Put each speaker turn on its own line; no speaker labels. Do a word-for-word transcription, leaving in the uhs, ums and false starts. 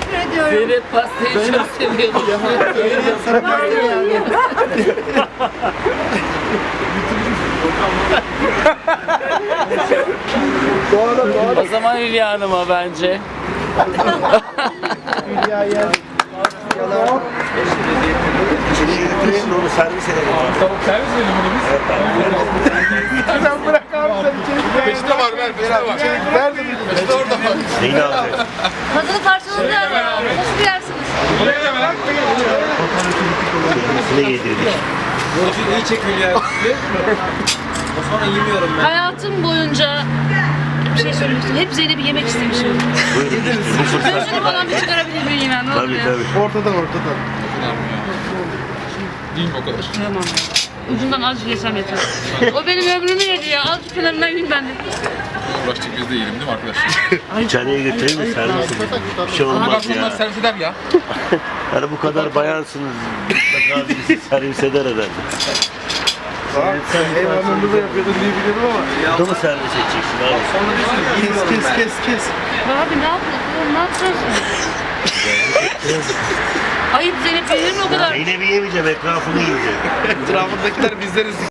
teşekkür ediyorum.
Zeynep pastayı çok seviyorum.
Sana pastayı yani.
O zaman Hülya Hanım'a bence.
Hülya yer.
Şimdi onu servis edelim.
Tavuk servis edelim bunu biz.
Sen bırak abi sen içeri.
Peşte var ver, peşte var.
Nerede?
Peşte orada var.
Neyin alacak?
Tadını parçaladı yani. Nasıl yersiniz?
Buraya da merak etme.
Kendisine yedirdik.
Borcu iyi çek Hülya. O sonra yemiyorum ben.
Hayatım boyunca bir şey söylemek istiyorum. Hep Zeynep'i yemek istemişim.
Buyurun işte bu fırsat.
Gözünü falan bir çıkarabilir miyim ben? Ne olur
Tabii
ya?
tabii.
Ortadan ortadan.
Değil mi o kadar?
Tamam. Ucundan azıcık yesem yeter. O benim ömrümü yedi ya. Azıcık kenarından yiyeyim ben de.
Uğraştık biz de yiyelim değil mi arkadaşlar?
İçeriye götüreyim de servis edelim. Bir şey olmaz
Bak bunlar
ya.
servis eder ya.
Hani bu kadar bayansınız. Mutlaka birisi servis eder herhalde.
Sen eyvallah da yapıyordun diye biliyorum ama.
Bunu mu servis edeceksin abi?
Kes kes kes kes.
Abi ne yapıyorsun? Ne yapıyorsun? Ayıp Zeynep yenir mi o kadar?
Zeynep'i yemeyeceğim, etrafını yiyeceğim.
Etrafındakiler bizleriz.